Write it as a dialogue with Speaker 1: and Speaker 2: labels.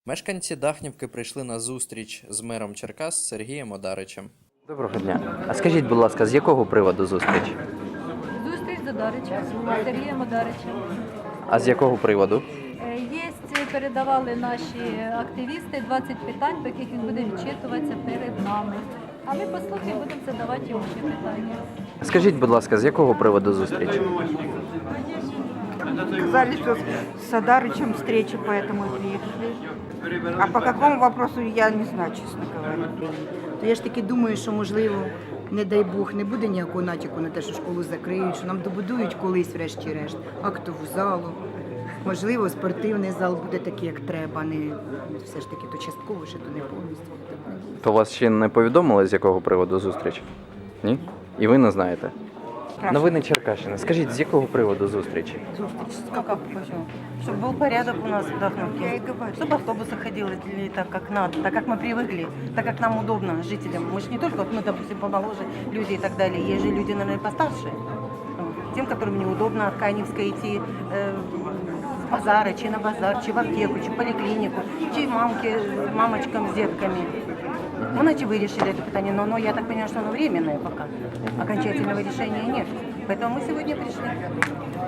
Speaker 1: Мешканці Дахнівки прийшли на зустріч з мером Черкас Сергієм Одаричем.
Speaker 2: Доброго дня. А скажіть, будь ласка, з якого приводу зустріч?
Speaker 3: Зустріч з Одаричем, з Сергієм Одаричем.
Speaker 2: А з якого приводу?
Speaker 3: Передавали наші активісти 20 питань, по яких він буде відчитуватися перед нами. А ми послухаємо, будемо задавати йому ще питання.
Speaker 2: Скажіть, будь ласка, з якого приводу зустріч?
Speaker 4: Сказали, что с Адарычем встреча, поэтому и приехали. А по какому вопросу, я не знаю, честно говоря.
Speaker 5: То я ж таки думаю, що, можливо, не дай Бог, не буде ніякого натяку на те, що школу закриють, що нам добудують колись, врешті-решт, актову залу. Можливо, спортивний зал буде такий, як треба, а не все ж таки то частково, ще то не повністю.
Speaker 2: То вас ще не повідомили, з якого приводу зустріч? Ні? І ви не знаєте? Новини Черкащини. Скажіть, з якого приводу зустрічі?
Speaker 6: Как почему? Чтобы был порядок у нас в Дахновке. Чтобы автобусы ходили так, как надо, так, как мы привыкли, так, как нам удобно, жителям. Мы же не только, вот мы, допустим, помоложе люди и так далее. Есть же люди, наверное, постарше. Вот. Тем, которым неудобно от Каневской идти с базара, чи на базар, чи в аптеку, чи в поликлинику, чи мамочкам с детками. Ну, иначе вы решили это питание, но я так понимаю, что оно временное пока. Окончательного решения нет. Поэтому мы сегодня пришли.